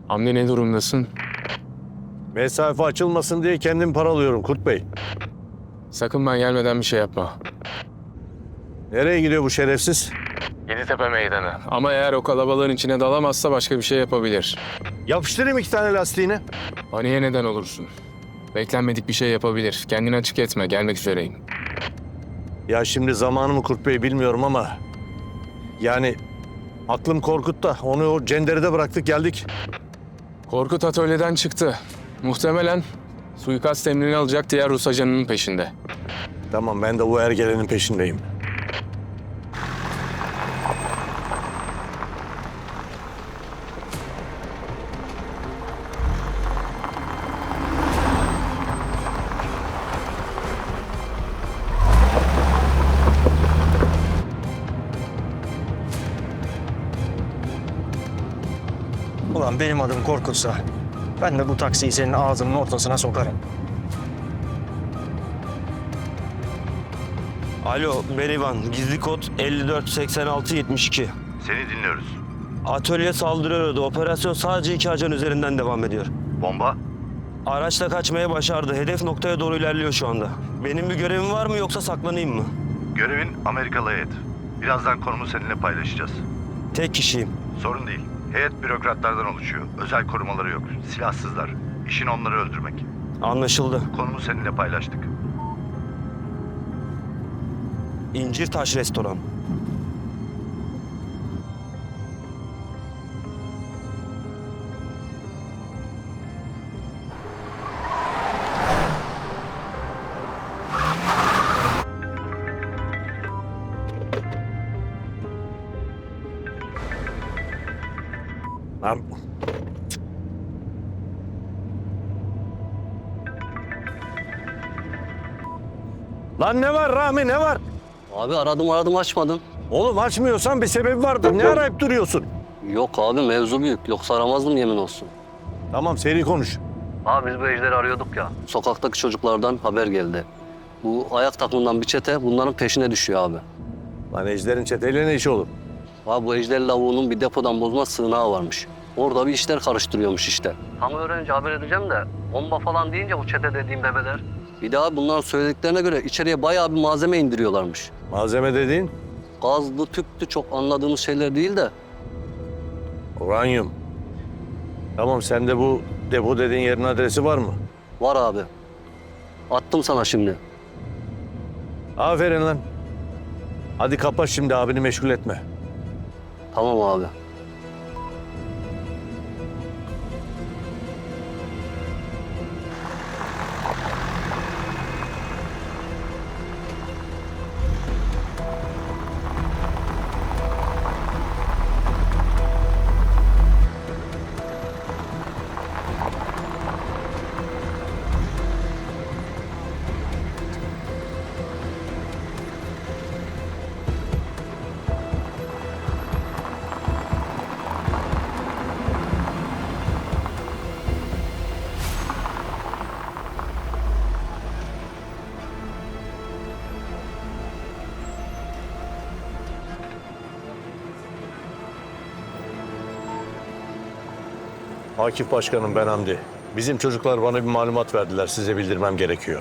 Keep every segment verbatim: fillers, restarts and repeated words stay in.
Hamdi ne durumdasın? Mesafe açılmasın diye kendim paralıyorum Kurt Bey. Sakın ben gelmeden bir şey yapma. Nereye gidiyor bu şerefsiz? Yeditepe meydanı. Ama eğer o kalabalığın içine dalamazsa başka bir şey yapabilir. Yapıştırayım iki tane lastiğini. Paniğe neden olursun. Beklenmedik bir şey yapabilir. Kendini açık etme. Gelmek üzereyim. Ya şimdi zamanı mı Kurt Bey bilmiyorum ama... Yani aklım Korkut'ta. Onu o cenderede bıraktık geldik. Korkut atölyeden çıktı. Muhtemelen suikast emrini alacak diğer Rus ajanının peşinde. Tamam ben de bu ergelenin peşindeyim. Ulan benim adım Korkut'sa ben de bu taksiyi senin ağzının ortasına sokarım. Alo, ben İvan. Gizli kod elli dört seksen altı yetmiş iki. Seni dinliyoruz. Atölye saldırıyordu. Operasyon sadece iki ajan üzerinden devam ediyor. Bomba? Araçla kaçmaya başardı. Hedef noktaya doğru ilerliyor şu anda. Benim bir görevim var mı yoksa saklanayım mı? Görevin Amerikalı heyet. Birazdan konumu seninle paylaşacağız. Tek kişiyim. Sorun değil. Heyet bürokratlardan oluşuyor. Özel korumaları yok. Silahsızlar. İşin onları öldürmek. Anlaşıldı. Konumu seninle paylaştık. İncirtaş Restoran. Lan... Lan ne var Rahmi ne var? Abi aradım aradım açmadın. Oğlum açmıyorsan bir sebebi vardır. Ne arayıp duruyorsun? Yok abi mevzu büyük. Yoksa aramazdım yemin olsun. Tamam seri konuş. Abi biz bu ejderi arıyorduk ya. Sokaktaki çocuklardan haber geldi. Bu ayak takımından bir çete bunların peşine düşüyor abi. Lan Ejder'in çeteyle ne işi olur? Abi bu ejder lavuğunun bir depodan bozma sığınağı varmış. Orada bir işler karıştırıyormuş işte. Tam öğrenince haber edeceğim de bomba falan deyince bu çete dediğim bebeler. Bir daha bunların söylediklerine göre içeriye bayağı bir malzeme indiriyorlarmış. Malzeme dediğin Gazlı, tüptü çok anladığımız şeyler değil de. uranyum. Tamam sende bu depo dediğin yerin adresi var mı? Var abi. Attım sana şimdi. Aferin lan. Hadi kapat şimdi abini meşgul etme. Tamam abi. Akif Başkanım ben Hamdi. Bizim çocuklar bana bir malumat verdiler. Size bildirmem gerekiyor.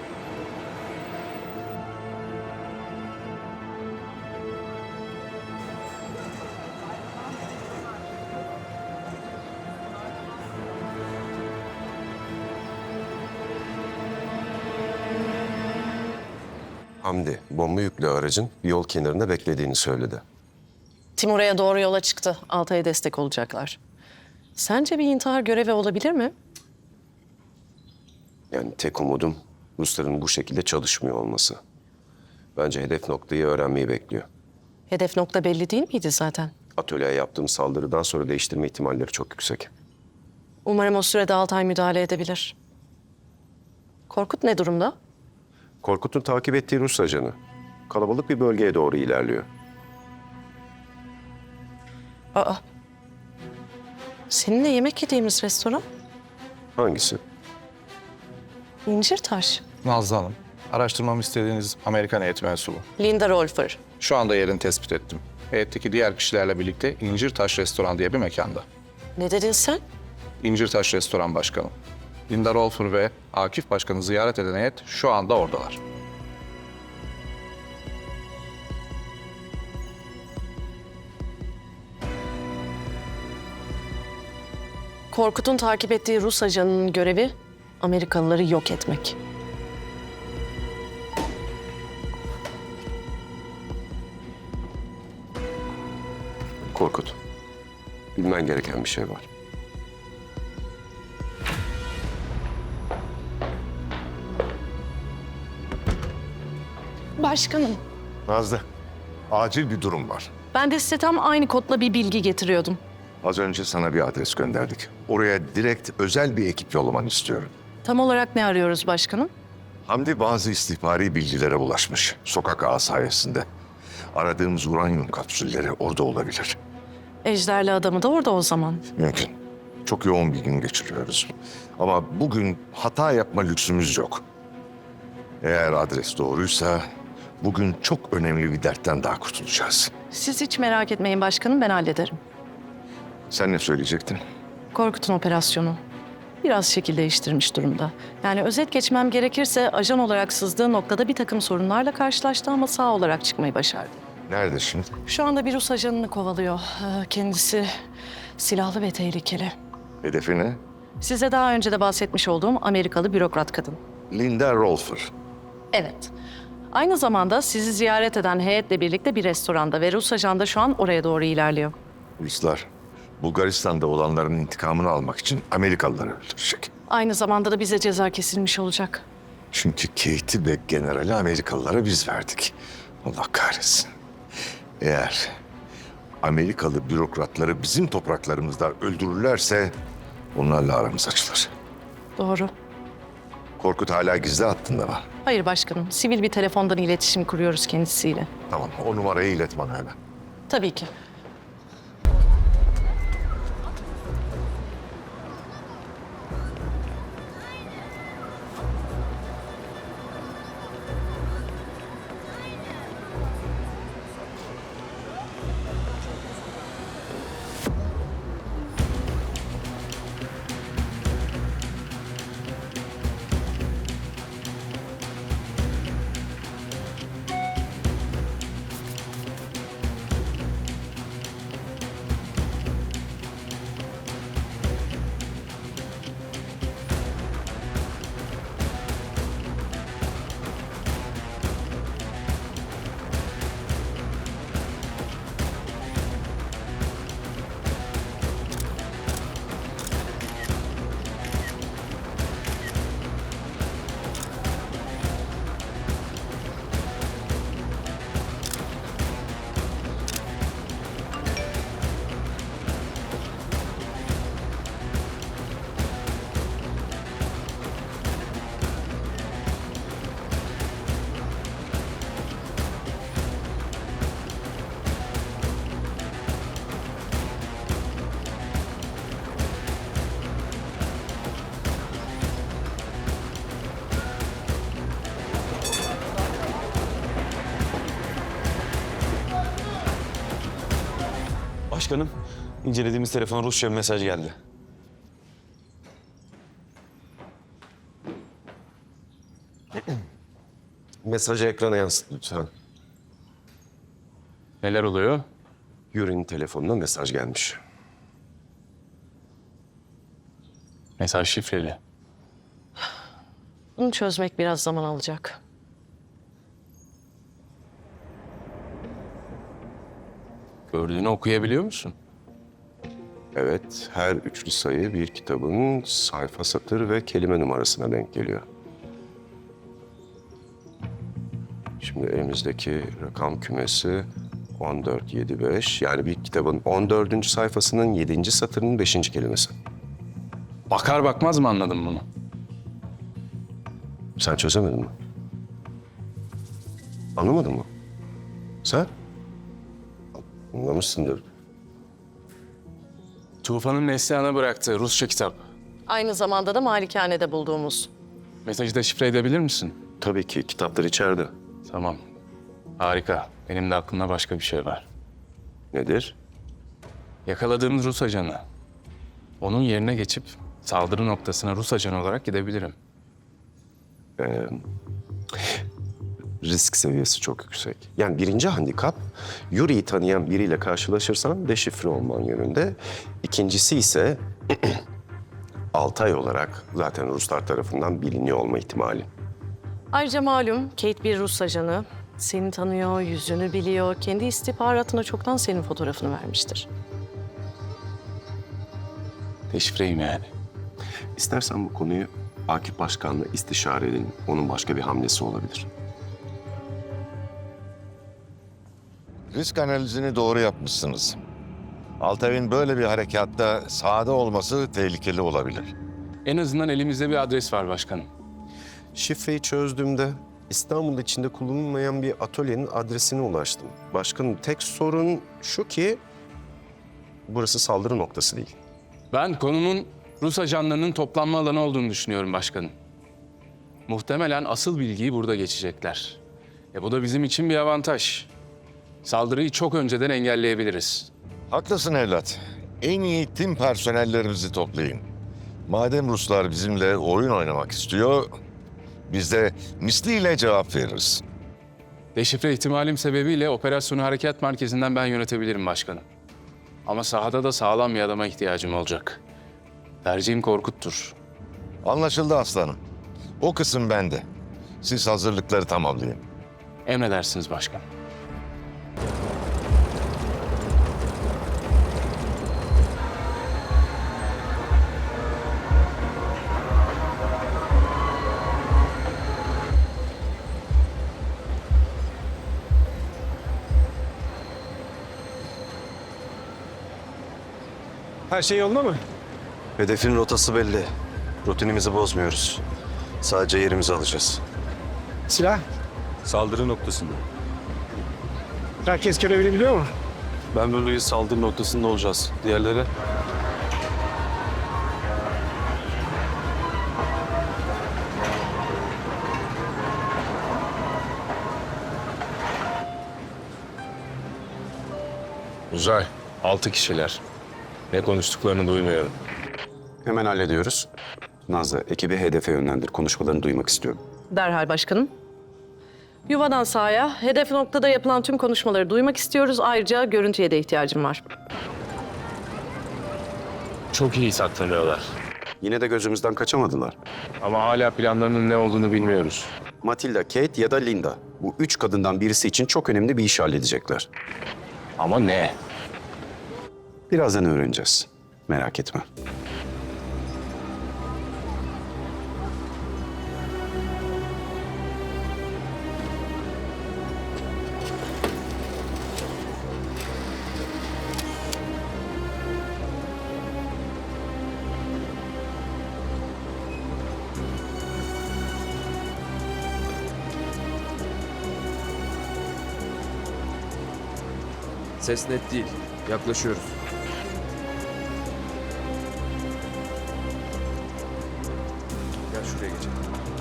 Hamdi, bomba yüklü aracın yol kenarında beklediğini söyledi. Timur'a doğru yola çıktı. Altay'a destek olacaklar. Sence bir intihar görevi olabilir mi? Yani tek umudum Rusların bu şekilde çalışmıyor olması. Bence hedef noktayı öğrenmeyi bekliyor. Hedef nokta belli değil miydi zaten? Atölyeye yaptığım saldırıdan sonra değiştirme ihtimalleri çok yüksek. Umarım o sürede Altay müdahale edebilir. Korkut ne durumda? Korkut'un takip ettiği Rus ajanı. Kalabalık bir bölgeye doğru ilerliyor. Aa. Seninle yemek yediğimiz restoran? Hangisi? İncirtaş. Nazlı Hanım, araştırmamı istediğiniz Amerikan heyet mensubu. Linda Rolfer. Şu anda yerini tespit ettim. Heyetteki diğer kişilerle birlikte İncirtaş Restoran diye bir mekanda. Ne dedin sen? İncirtaş Restoran Başkanı. Linda Rolfer ve Akif Başkan'ı ziyaret eden heyet şu anda oradalar. Korkut'un takip ettiği Rus ajanının görevi Amerikalıları yok etmek. Korkut, bilmen gereken bir şey var. Başkanım, Nazlı, acil bir durum var. ben de size tam aynı kodla bir bilgi getiriyordum. Az önce sana bir adres gönderdik. Oraya direkt özel bir ekip yollamanı istiyorum. Tam olarak ne arıyoruz başkanım? Hamdi bazı istihbari bilgilere ulaşmış. Sokak ağı sayesinde. Aradığımız uranyum kapsülleri orada olabilir. Ejderli adamı da orada o zaman. Mümkün. Çok yoğun bir gün geçiriyoruz. Ama bugün hata yapma lüksümüz yok. Eğer adres doğruysa bugün çok önemli bir dertten daha kurtulacağız. Siz hiç merak etmeyin başkanım, ben hallederim. Sen ne söyleyecektin? Korkut'un operasyonu biraz şekil değiştirmiş durumda. Yani özet geçmem gerekirse ajan olarak sızdığı noktada bir takım sorunlarla karşılaştı ama sağ olarak çıkmayı başardı. Nerede şimdi? Şu anda bir Rus ajanını kovalıyor. Ee, Kendisi silahlı ve tehlikeli. Hedefi ne? Size daha önce de bahsetmiş olduğum Amerikalı bürokrat kadın. Linda Rolfer. Evet. Aynı zamanda sizi ziyaret eden heyetle birlikte bir restoranda ve Rus ajan da şu an oraya doğru ilerliyor. Ruslar Bulgaristan'da olanların intikamını almak için Amerikalıları öldürecek. Aynı zamanda da bize ceza kesilmiş olacak. Çünkü Kate'i ve generali Amerikalılara biz verdik. Allah kahretsin. Eğer Amerikalı bürokratları bizim topraklarımızda öldürürlerse onlarla aramız açılır. Doğru. Korkut hala gizli hattında mı? Hayır başkanım, sivil bir telefondan iletişim kuruyoruz kendisiyle. Tamam, o numarayı ilet bana hemen. Tabii ki. Başkanım, incelediğimiz telefona Rusça bir mesaj geldi. Mesajı ekrana yansıt lütfen. Neler oluyor? Yuri'nin telefonuna mesaj gelmiş. Mesaj şifreli. Bunu çözmek biraz zaman alacak. Gördüğünü okuyabiliyor musun? Evet, her üçlü sayı bir kitabın sayfa, satır ve kelime numarasına denk geliyor. Şimdi elimizdeki rakam kümesi on dört yedi beş. Yani bir kitabın on dördüncü sayfasının yedinci satırının beşinci kelimesi. Bakar bakmaz mı anladın bunu? Sen çözemedin mi? Anlamadın mı? Sen? Anlamışsındır. Tufan'ın Neslihan'a bıraktığı Rusça kitap. Aynı zamanda da malikanede bulduğumuz. Mesajı da şifre edebilir misin? Tabii ki kitaplar içeride. Tamam. Harika. Benim de aklımda başka bir şey var. Nedir? Yakaladığımız Rus ajanı. Onun yerine geçip saldırı noktasına Rus ajanı olarak gidebilirim. Ee, risk seviyesi çok yüksek. Yani birinci handikap, Yuri'yi tanıyan biriyle karşılaşırsan deşifre olman yönünde. İkincisi ise Altay olarak zaten Ruslar tarafından biliniyor olma ihtimali. Ayrıca malum Kate bir Rus ajanı. Seni tanıyor, yüzünü biliyor. Kendi istihbaratına çoktan senin fotoğrafını vermiştir. Deşifreyim yani. İstersen bu konuyu Akif Başkan'la istişare edelim. Onun başka bir hamlesi olabilir. Risk analizini doğru yapmışsınız. Altay'ın böyle bir harekatta sahada olması tehlikeli olabilir. En azından elimizde bir adres var başkanım. Şifreyi çözdüğümde İstanbul içinde kullanılmayan bir atölyenin adresine ulaştım. Başkanım, tek sorun şu ki burası saldırı noktası değil. Ben konunun Rus ajanlarının toplanma alanı olduğunu düşünüyorum başkanım. Muhtemelen asıl bilgiyi burada geçecekler. E bu da bizim için bir avantaj. Saldırıyı çok önceden engelleyebiliriz. Haklısın evlat. En iyi tim personellerimizi toplayın. Madem Ruslar bizimle oyun oynamak istiyor, biz de misliyle cevap veririz. Deşifre ihtimalim sebebiyle operasyonu harekat merkezinden ben yönetebilirim başkanım. Ama sahada da sağlam bir adama ihtiyacım olacak. Tercihim Korkut'tur. Anlaşıldı aslanım. O kısım bende. Siz hazırlıkları tamamlayın. Emredersiniz başkanım. Her şey yolunda mı? Hedefin rotası belli. Rutinimizi bozmuyoruz. Sadece yerimizi alacağız. Silah? Saldırı noktasında. Herkes görevini biliyor mu? Ben ve Louis saldırı noktasında olacağız. Diğerleri? Uzay, altı kişiler. Ne konuştuklarını duymuyorum. Hemen hallediyoruz. Nazlı, ekibi hedefe yönlendir. Konuşmalarını duymak istiyorum. Derhal başkanım. Yuvadan sahaya, hedef noktada yapılan tüm konuşmaları duymak istiyoruz. Ayrıca görüntüye de ihtiyacım var. Çok iyi saklanıyorlar. Yine de gözümüzden kaçamadılar. Ama hala planlarının ne olduğunu bilmiyoruz. Matilda, Kate ya da Linda. Bu üç kadından birisi için çok önemli bir iş halledecekler. Ama ne? Birazdan öğreneceğiz. Merak etme. Ses net değil. Yaklaşıyoruz. Gel şuraya geçelim.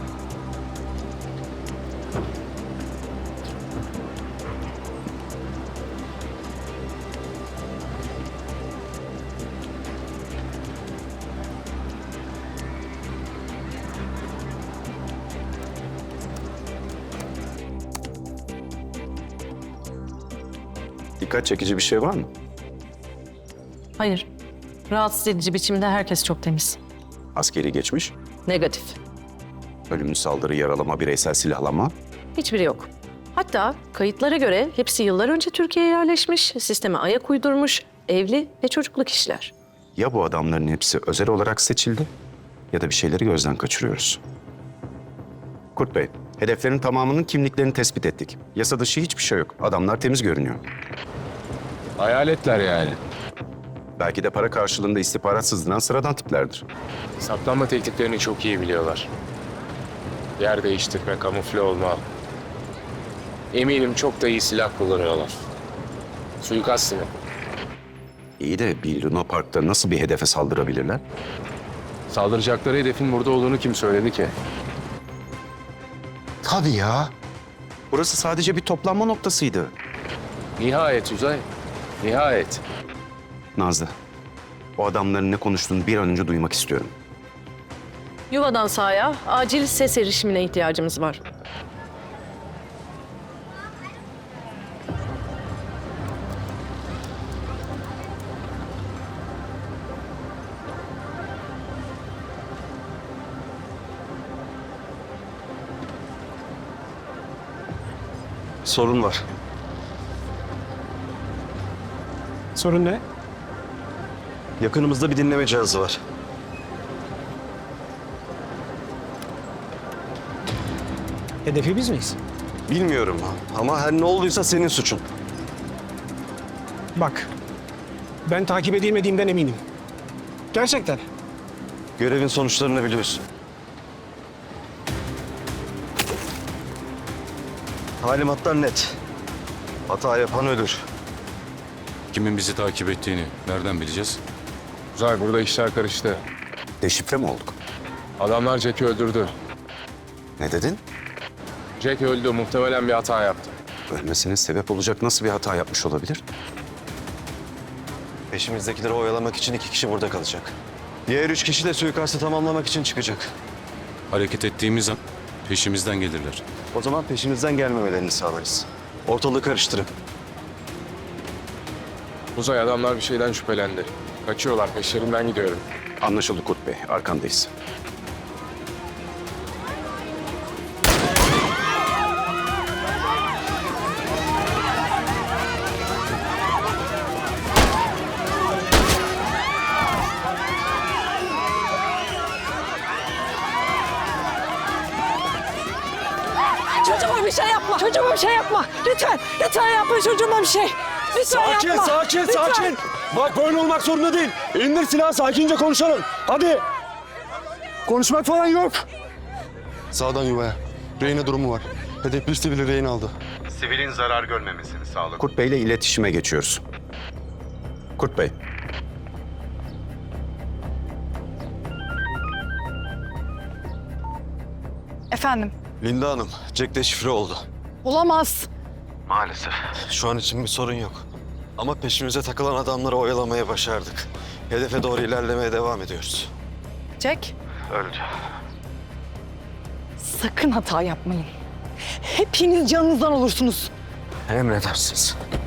Dikkat çekici bir şey var mı? Hayır. Rahatsız edici biçimde herkes çok temiz. Askeri geçmiş, Negatif. ölümlü saldırı, yaralama, bireysel silahlanma. Hiçbiri yok. Hatta kayıtlara göre hepsi yıllar önce Türkiye'ye yerleşmiş, sisteme ayak uydurmuş, evli ve çocuklu kişiler. Ya bu adamların hepsi özel olarak seçildi ya da bir şeyleri gözden kaçırıyoruz. Kurt Bey, hedeflerin tamamının kimliklerini tespit ettik. Yasa dışı hiçbir şey yok. Adamlar temiz görünüyor. Hayaletler yani. Belki de para karşılığında istihbarat sızdıran sıradan tiplerdir. Saklanma tekniklerini çok iyi biliyorlar. Yer değiştirme, kamufle olma. Eminim çok da iyi silah kullanıyorlar. Suikast mı? İyi de bir Luna Park'ta nasıl bir hedefe saldırabilirler? Saldıracakları hedefin burada olduğunu kim söyledi ki? Tabii ya. Burası sadece bir toplanma noktasıydı. Nihayet Uzay, nihayet. Nazlı, O adamların ne konuştuğunu bir an önce duymak istiyorum. Yuvadan sahaya acil ses erişimine ihtiyacımız var. Sorun var. Sorun ne? Yakınımızda bir dinleme cihazı var. Hedefi biz miyiz? Bilmiyorum ama her ne olduysa senin suçun. Bak, ben takip edilmediğimden eminim. Gerçekten. Görevin sonuçlarını biliyorsun. Talimatlar net. Hata yapan ölür. Kimin bizi takip ettiğini nereden bileceğiz? Uzay, burada işler karıştı. Deşifre mi olduk? Adamlar Jack'i öldürdü. Ne dedin? Jack öldü. Muhtemelen bir hata yaptı. Ölmesine sebep olacak nasıl bir hata yapmış olabilir? Peşimizdekileri oyalamak için iki kişi burada kalacak. Diğer üç kişi de suikastı tamamlamak için çıkacak. Hareket ettiğimiz an peşimizden gelirler. O zaman peşimizden gelmemelerini sağlarız. Ortalığı karıştırın. Uzay, adamlar bir şeyden şüphelendi. Kaçıyorlar. Peşlerinden gidiyorum. Anlaşıldı Kurt Bey, arkandayız. Çocuğuma bir şey yapma. Çocuğuma bir şey yapma. Lütfen. Lütfen yapma çocuğuma bir şey. Lütfen Sakin, yapma. sakin, Lütfen. sakin. Bak böyle olmak zorunda değil. İndir silahı, sakince konuşalım. Hadi. Konuşmak falan yok. Sağdan yuvaya. Reyne durumu var. Hedef bir sivili rehin aldı. Sivilin zarar görmemesini sağla. Kurt Bey ile iletişime geçiyoruz. Kurt Bey. Efendim. Linda Hanım, Jack deşifre oldu. Olamaz. Maalesef. Şu an için bir sorun yok. Ama peşimize takılan adamları oyalamaya başardık. Hedefe doğru ilerlemeye devam ediyoruz. Jack, Öldü. sakın hata yapmayın. Hepiniz canınızdan olursunuz. Emredersiniz.